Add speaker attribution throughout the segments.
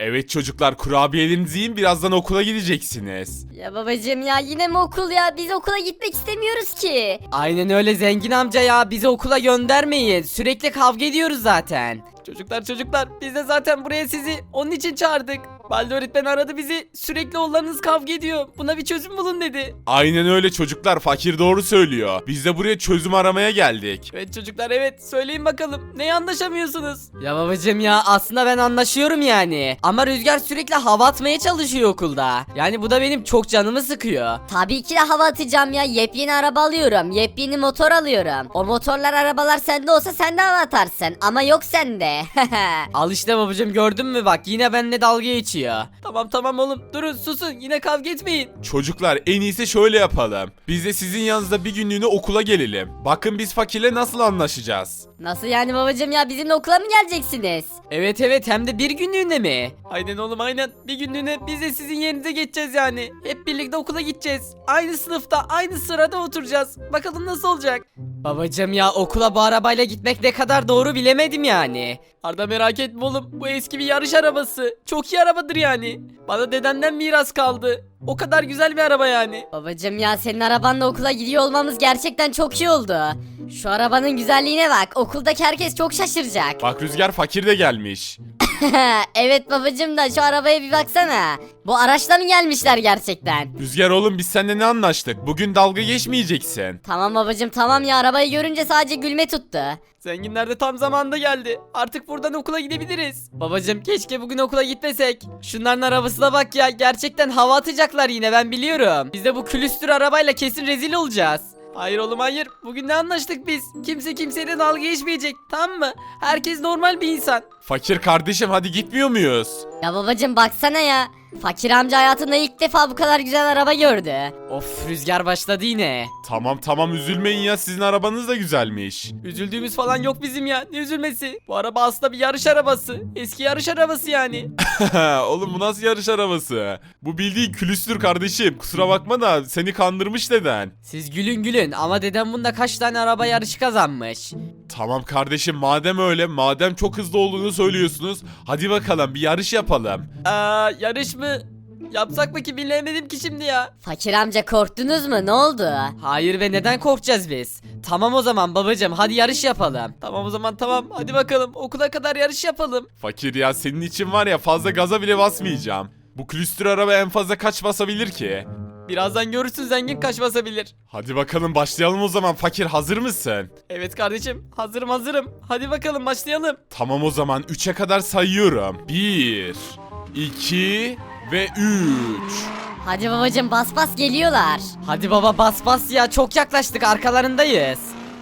Speaker 1: Evet çocuklar, kurabiyelerinizi yiyin, birazdan okula gideceksiniz.
Speaker 2: Ya babacım ya yine mi okul ya? Biz okula gitmek istemiyoruz ki.
Speaker 3: Aynen öyle zengin amca ya, bizi okula göndermeyin. Sürekli kavga ediyoruz zaten. Çocuklar biz de zaten buraya sizi onun için çağırdık. Balde öğretmen aradı bizi, sürekli oğullarınız kavga ediyor. Buna bir çözüm bulun dedi.
Speaker 1: Aynen öyle çocuklar, fakir doğru söylüyor. Biz de buraya çözüm aramaya geldik.
Speaker 3: Evet çocuklar, evet, söyleyin bakalım neye anlaşamıyorsunuz? Ya babacım ya, aslında ben anlaşıyorum yani. Ama Rüzgar sürekli hava atmaya çalışıyor okulda. Yani bu da benim çok canımı sıkıyor.
Speaker 2: Tabii ki de hava atacağım ya. Yepyeni araba alıyorum. Yepyeni motor alıyorum. O motorlar arabalar sende olsa sen de hava atarsın. Ama yok sende.
Speaker 3: Al işte babacım, gördün mü bak, yine benimle dalga geçiyor. Tamam oğlum, durun, susun, yine kavga etmeyin.
Speaker 1: Çocuklar, en iyisi şöyle yapalım. Biz de sizin yanınızda bir günlüğüne okula gelelim. Bakın biz fakirle nasıl anlaşacağız.
Speaker 2: Nasıl yani babacım ya? Bizimle okula mı geleceksiniz?
Speaker 3: Evet, hem de bir günlüğüne mi? Aynen oğlum, aynen, bir günlüğüne biz de sizin yerinize geçeceğiz yani. Hep birlikte okula gideceğiz. Aynı sınıfta, aynı sırada oturacağız. Bakalım nasıl olacak? Babacım ya, okula bu arabayla gitmek ne kadar doğru bilemedim yani. Arda merak etme oğlum, bu eski bir yarış arabası. Çok iyi arabadır yani. Bana dedemden miras kaldı. O kadar güzel bir araba yani.
Speaker 2: Babacım ya senin arabanla okula gidiyor olmamız gerçekten çok iyi oldu. Şu arabanın güzelliğine bak. Okuldaki herkes çok şaşıracak.
Speaker 1: Bak Rüzgar, fakir de gelmiş.
Speaker 2: Evet babacım da şu arabaya bir baksana. Bu araçla mı gelmişler gerçekten?
Speaker 1: Rüzgar oğlum, biz seninle ne anlaştık? Bugün dalga geçmeyeceksin.
Speaker 2: Tamam babacım tamam ya, arabayı görünce sadece gülme tuttu.
Speaker 3: Zenginler de tam zamanında geldi. Artık buradan okula gidebiliriz. Babacım keşke bugün okula gitmesek. Şunların arabasına bak ya, gerçekten hava atacaklar yine, ben biliyorum. Biz de bu külüstür arabayla kesin rezil olacağız. Hayır oğlum hayır. Bugün ne anlaştık biz? Kimse kimseyle dalga geçmeyecek, tamam mı? Herkes normal bir insan.
Speaker 1: Fakir kardeşim, hadi gitmiyor muyuz?
Speaker 2: Ya babacım baksana ya. Fakir amca hayatında ilk defa bu kadar güzel araba gördü.
Speaker 3: Of, rüzgar başladı yine.
Speaker 1: Tamam üzülmeyin ya, sizin arabanız da güzelmiş.
Speaker 3: Üzüldüğümüz falan yok bizim ya. Ne üzülmesi? Bu araba aslında bir yarış arabası. Eski yarış arabası yani.
Speaker 1: Oğlum bu nasıl yarış arabası? Bu bildiğin külüstür kardeşim. Kusura bakma da seni kandırmış deden.
Speaker 3: Siz gülün ama dedem bunda kaç tane araba yarışı kazanmış.
Speaker 1: Tamam kardeşim, madem öyle, madem çok hızlı olduğunu söylüyorsunuz, hadi bakalım bir yarış yapalım.
Speaker 3: Yarış mı? Yapsak mı ki, bilemedim ki şimdi ya.
Speaker 2: Fakir amca korktunuz mu? Ne oldu?
Speaker 3: Hayır, ve neden korkacağız biz? Tamam o zaman babacım, hadi yarış yapalım. Tamam o zaman, tamam, hadi bakalım okula kadar yarış yapalım.
Speaker 1: Fakir ya, senin için var ya, fazla gaza bile basmayacağım. Bu külüstür araba en fazla kaç basabilir ki?
Speaker 3: Birazdan görürsün zengin kaç basabilir.
Speaker 1: Hadi bakalım başlayalım o zaman. Fakir, hazır mısın?
Speaker 3: Evet kardeşim, hazırım. Hadi bakalım başlayalım.
Speaker 1: Tamam o zaman 3'e kadar sayıyorum. 1, 2 ve 3.
Speaker 2: Hadi babacım bas bas geliyorlar.
Speaker 3: Hadi baba, bas ya, çok yaklaştık, arkalarındayız.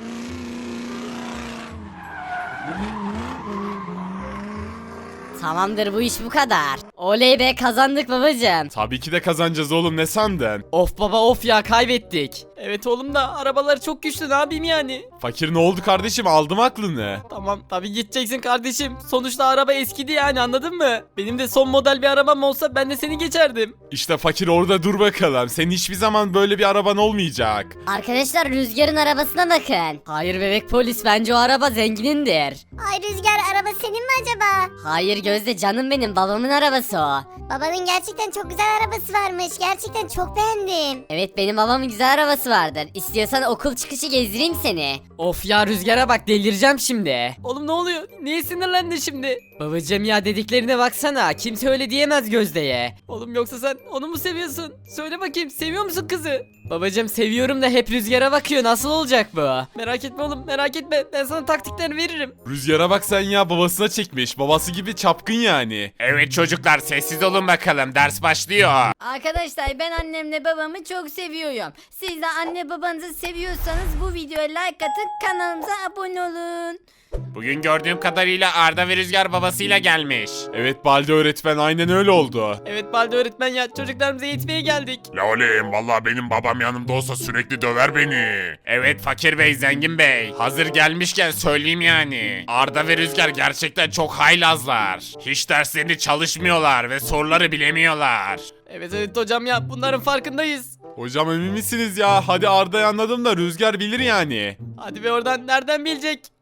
Speaker 2: Tamamdır, bu iş bu kadar. Oley be, kazandık babacım.
Speaker 1: Tabii ki de kazanacağız oğlum, ne sandın?
Speaker 3: Of baba of ya, kaybettik. Evet oğlum da arabaları çok güçlü, ne yapayım yani?
Speaker 1: Fakir, ne oldu kardeşim, aldım aklını.
Speaker 3: Tamam tabii gideceksin kardeşim. Sonuçta araba eskidi yani, anladın mı? Benim de son model bir arabam olsa ben de seni geçerdim.
Speaker 1: İşte fakir, orada dur bakalım. Senin hiçbir zaman böyle bir araban olmayacak.
Speaker 2: Arkadaşlar Rüzgar'ın arabasına bakın.
Speaker 3: Hayır bebek polis, bence o araba zenginindir.
Speaker 4: Ay Rüzgar, araba senin mi acaba?
Speaker 2: Hayır Gözde, canım benim, babamın arabası o.
Speaker 4: Babanın gerçekten çok güzel arabası varmış. Gerçekten çok beğendim.
Speaker 2: Evet, benim babamın güzel arabası vardır. İstiyorsan okul çıkışı gezdireyim seni.
Speaker 3: Of ya, rüzgara bak, delireceğim şimdi. Oğlum ne oluyor? Niye sinirlendin şimdi? Babacım ya, dediklerine baksana, kimse öyle diyemez Gözde'ye. Oğlum yoksa sen onu mu seviyorsun? Söyle bakayım, seviyor musun kızı? Babacım seviyorum da hep rüzgara bakıyor, nasıl olacak bu? Merak etme oğlum, merak etme, ben sana taktiklerini veririm.
Speaker 1: Rüzgara bak sen ya, babasına çekmiş. Babası gibi çapkın yani. Evet çocuklar, sessiz olun bakalım, ders başlıyor.
Speaker 2: Arkadaşlar ben annemle babamı çok seviyorum. Siz de anne babanızı seviyorsanız bu videoya like atın, kanalımıza abone olun.
Speaker 5: Bugün gördüğüm kadarıyla Arda ve Rüzgar babasıyla gelmiş.
Speaker 1: Evet Balde öğretmen, aynen öyle oldu.
Speaker 3: Evet Balde öğretmen ya, çocuklarımıza eğitmeye geldik.
Speaker 5: La oğlum, valla benim babam yanımda olsa sürekli döver beni. Evet Fakir Bey, Zengin Bey. Hazır gelmişken söyleyeyim yani. Arda ve Rüzgar gerçekten çok haylazlar. Hiç derslerini çalışmıyorlar ve soruları bilemiyorlar.
Speaker 3: Evet hocam ya, bunların farkındayız.
Speaker 1: Hocam emin misiniz ya? Hadi Arda'yı anladım da Rüzgar bilir yani.
Speaker 3: Hadi be oradan, nereden bilecek?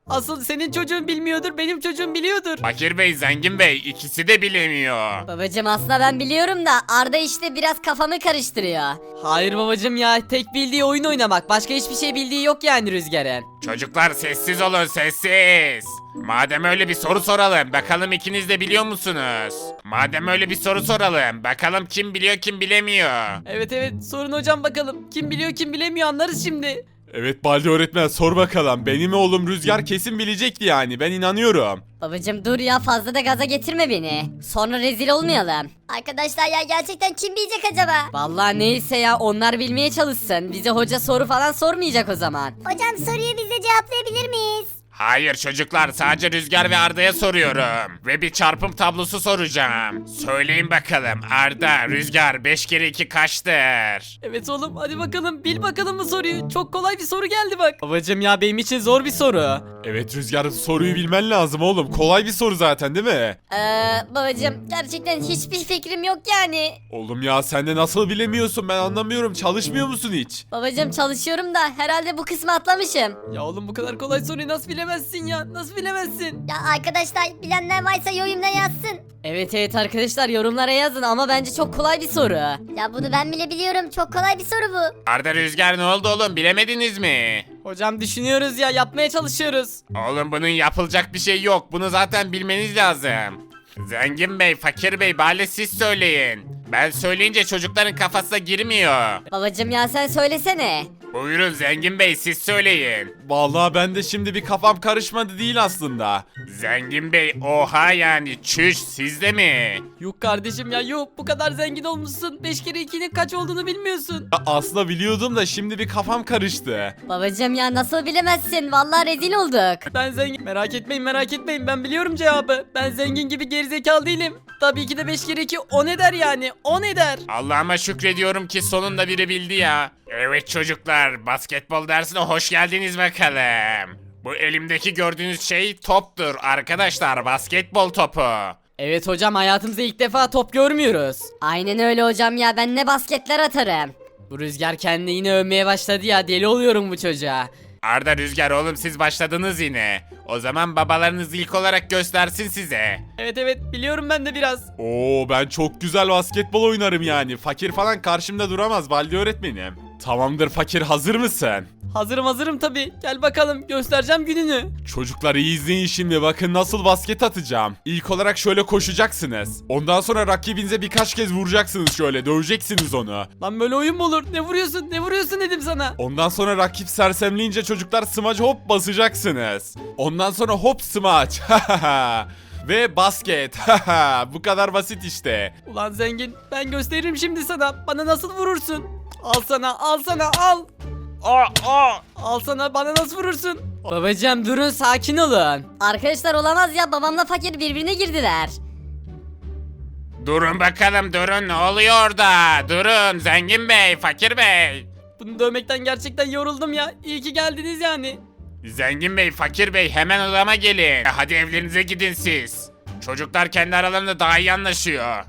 Speaker 3: Asıl senin çocuğun bilmiyordur, benim çocuğum biliyordur.
Speaker 5: Fakir Bey, Zengin Bey ikisi de bilemiyor.
Speaker 2: Babacım aslında ben biliyorum da Arda işte biraz kafamı karıştırıyor.
Speaker 3: Hayır babacım ya, tek bildiği oyun oynamak. Başka hiçbir şey bildiği yok yani Rüzgar'ın.
Speaker 5: Çocuklar sessiz olun, sessiz. Madem öyle bir soru soralım. Bakalım ikiniz de biliyor musunuz? Madem öyle bir soru soralım. Bakalım kim biliyor kim bilemiyor.
Speaker 3: Evet sorun hocam bakalım. Kim biliyor kim bilemiyor anlarız şimdi.
Speaker 1: Evet Baldi öğretmen sor bakalım. Benim oğlum Rüzgar kesin bilecekti yani. Ben inanıyorum.
Speaker 2: Babacım dur ya fazla da gaza getirme beni. Sonra rezil olmayalım.
Speaker 4: Arkadaşlar ya gerçekten kim bilecek acaba?
Speaker 2: Vallahi neyse ya onlar bilmeye çalışsın. Bize hoca soru falan sormayacak o zaman.
Speaker 4: Hocam soruyu biz de cevaplayabilir miyiz?
Speaker 5: Hayır çocuklar, sadece Rüzgar ve Arda'ya soruyorum. Ve bir çarpım tablosu soracağım. Söyleyin bakalım Arda, Rüzgar 5 kere 2 kaçtır?
Speaker 3: Evet oğlum hadi bakalım bil bakalım bu soruyu. Çok kolay bir soru geldi bak. Babacım ya benim için zor bir soru.
Speaker 1: Evet Rüzgar soruyu bilmen lazım oğlum. Kolay bir soru zaten değil mi?
Speaker 2: Babacım gerçekten hiçbir fikrim yok yani.
Speaker 1: Oğlum ya sen de nasıl bilemiyorsun ben anlamıyorum. Çalışmıyor musun hiç?
Speaker 2: Babacım çalışıyorum da herhalde bu kısmı atlamışım.
Speaker 3: Ya oğlum bu kadar kolay soruyu nasıl bilemezsin ya? Nasıl bilemezsin?
Speaker 4: Ya arkadaşlar bilenler varsa yorumda yazsın.
Speaker 2: Evet arkadaşlar yorumlara yazın ama bence çok kolay bir soru.
Speaker 4: Ya bunu ben bile biliyorum. Çok kolay bir soru bu.
Speaker 5: Arda, Rüzgar ne oldu oğlum, bilemediniz mi?
Speaker 3: Hocam düşünüyoruz ya, yapmaya çalışıyoruz.
Speaker 5: Oğlum bunun yapılacak bir şey yok. Bunu zaten bilmeniz lazım. Zengin Bey, Fakir Bey bari siz söyleyin. Ben söyleyince çocukların kafasına girmiyor.
Speaker 2: Babacım ya sen söylesene.
Speaker 5: Buyurun Zengin Bey, siz söyleyin.
Speaker 1: Vallahi ben de şimdi bir kafam karışmadı değil aslında.
Speaker 5: Zengin Bey, oha yani çüş, sizde mi?
Speaker 3: Yok kardeşim ya yok, bu kadar zengin olmuşsun. 5 kere 2'nin kaç olduğunu bilmiyorsun.
Speaker 1: Ya aslında biliyordum da şimdi bir kafam karıştı.
Speaker 2: Babacım ya nasıl bilemezsin? Vallahi rezil olduk.
Speaker 3: Ben zengin. Merak etmeyin ben biliyorum cevabı. Ben zengin gibi gerizekalı değilim. Tabii ki de 5 kere 2 10 eder yani. 10 eder.
Speaker 5: Allah'ıma şükrediyorum ki sonunda biri bildi ya. Evet çocuklar, basketbol dersine hoş geldiniz bakalım. Bu elimdeki gördüğünüz şey toptur arkadaşlar, basketbol topu.
Speaker 3: Evet hocam, hayatımızda ilk defa top görmüyoruz.
Speaker 2: Aynen öyle hocam ya ben ne basketler atarım.
Speaker 3: Bu Rüzgar kendini yine övmeye başladı ya, deli oluyorum bu çocuğa.
Speaker 5: Arda, Rüzgar oğlum siz başladınız yine. O zaman babalarınız ilk olarak göstersin size.
Speaker 3: Evet biliyorum ben de biraz.
Speaker 1: Oo ben çok güzel basketbol oynarım yani. Fakir falan karşımda duramaz Baldi öğretmenim. Tamamdır Fakir, hazır mısın?
Speaker 3: Hazırım tabii. Gel bakalım, göstereceğim gününü.
Speaker 1: Çocuklar iyi izleyin şimdi, bakın nasıl basket atacağım. İlk olarak şöyle koşacaksınız. Ondan sonra rakibinize birkaç kez vuracaksınız, şöyle döveceksiniz onu.
Speaker 3: Lan böyle oyun mu olur? Ne vuruyorsun dedim sana.
Speaker 1: Ondan sonra rakip sersemleyince çocuklar smaç hop basacaksınız. Ondan sonra hop smaç. Ve basket. Bu kadar basit işte.
Speaker 3: Ulan zengin, ben gösteririm şimdi sana. Bana nasıl vurursun? Al sana al. Al sana, bana nasıl vurursun? Babacım durun, sakin olun.
Speaker 2: Arkadaşlar olamaz ya babamla fakir birbirine girdiler.
Speaker 5: Durun bakalım, durun, ne oluyor orada? Durun Zengin Bey, Fakir Bey.
Speaker 3: Bunu dövmekten gerçekten yoruldum ya. İyi ki geldiniz yani.
Speaker 5: Zengin Bey, Fakir Bey hemen odama gelin. Hadi evlerinize gidin siz. Çocuklar kendi aralarında daha iyi anlaşıyor.